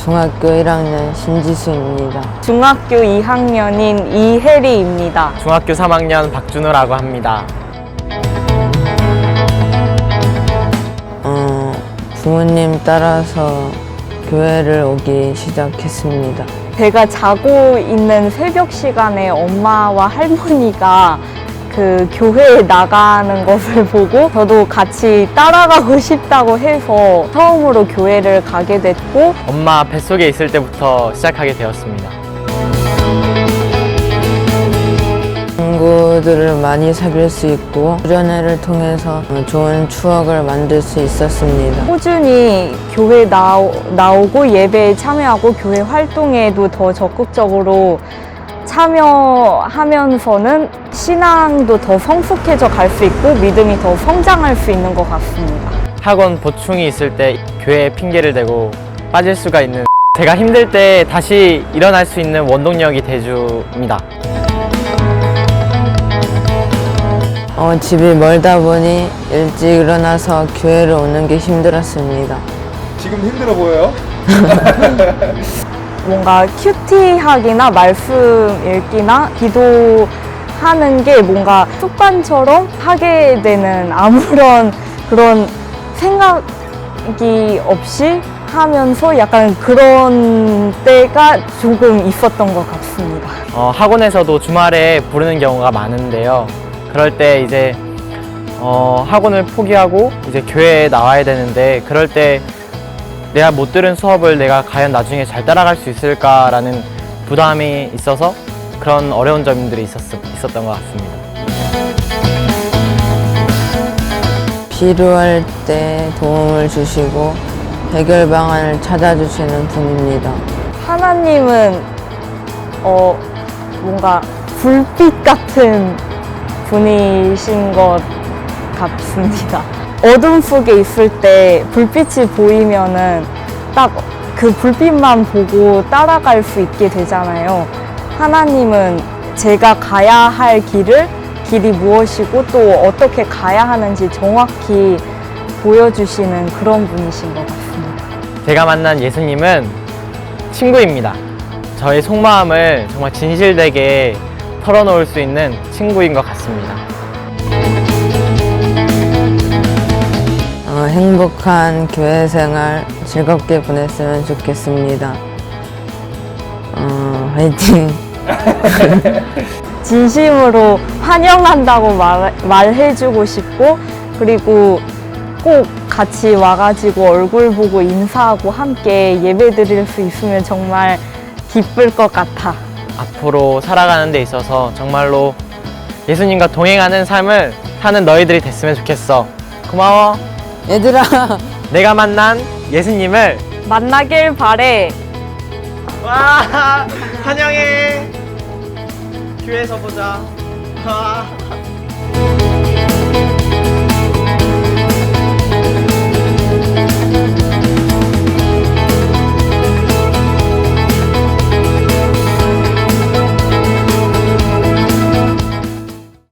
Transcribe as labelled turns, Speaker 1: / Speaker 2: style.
Speaker 1: 중학교 1학년 신지수입니다.
Speaker 2: 중학교 2학년인 이혜리입니다.
Speaker 3: 중학교 3학년 박준호라고 합니다.
Speaker 1: 부모님 따라서 교회를 오기 시작했습니다.
Speaker 2: 제가 자고 있는 새벽 시간에 엄마와 할머니가 그 교회에 나가는 것을 보고 저도 같이 따라가고 싶다고 해서 처음으로 교회를 가게 됐고,
Speaker 3: 엄마 뱃속에 있을 때부터 시작하게 되었습니다.
Speaker 1: 친구들을 많이 사귈 수 있고 수련회를 통해서 좋은 추억을 만들 수 있었습니다.
Speaker 2: 꾸준히 교회 나오고 예배에 참여하고 교회 활동에도 더 적극적으로 참여하면서는 신앙도 더 성숙해져 갈 수 있고 믿음이 더 성장할 수 있는 것 같습니다.
Speaker 3: 학원 보충이 있을 때 교회에 핑계를 대고 빠질 수가 있는, 제가 힘들 때 다시 일어날 수 있는 원동력이 돼줍니다.
Speaker 1: 집이 멀다 보니 일찍 일어나서 교회를 오는 게 힘들었습니다.
Speaker 4: 지금 힘들어 보여요?
Speaker 2: 뭔가 큐티하기나 말씀 읽기나 기도하는 게 뭔가 습관처럼 하게 되는, 아무런 그런 생각이 없이 하면서 약간 그런 때가 조금 있었던 것 같습니다.
Speaker 3: 학원에서도 주말에 부르는 경우가 많은데요. 그럴 때 이제 학원을 포기하고 이제 교회에 나와야 되는데, 그럴 때 내가 못 들은 수업을 내가 과연 나중에 잘 따라갈 수 있을까라는 부담이 있어서 그런 어려운 점들이 있었던 것 같습니다.
Speaker 1: 필요할 때 도움을 주시고 해결 방안을 찾아주시는 분입니다.
Speaker 2: 하나님은 뭔가 불빛 같은 분이신 것 같습니다. 어둠 속에 있을 때 불빛이 보이면은 딱 그 불빛만 보고 따라갈 수 있게 되잖아요. 하나님은 제가 가야 할 길이 무엇이고 또 어떻게 가야 하는지 정확히 보여주시는 그런 분이신 것 같습니다.
Speaker 3: 제가 만난 예수님은 친구입니다. 저의 속마음을 정말 진실되게 털어놓을 수 있는 친구인 것 같습니다.
Speaker 1: 행복한 교회 생활 즐겁게 보냈으면 좋겠습니다. 화이팅!
Speaker 2: 진심으로 환영한다고 말해주고 싶고, 그리고 꼭 같이 와가지고 얼굴 보고 인사하고 함께 예배 드릴 수 있으면 정말 기쁠 것 같아.
Speaker 3: 앞으로 살아가는 데 있어서 정말로 예수님과 동행하는 삶을 사는 너희들이 됐으면 좋겠어. 고마워.
Speaker 1: 얘들아!
Speaker 3: 내가 만난 예수님을
Speaker 2: 만나길 바래.
Speaker 3: 와, 환영해. 교회에서 보자.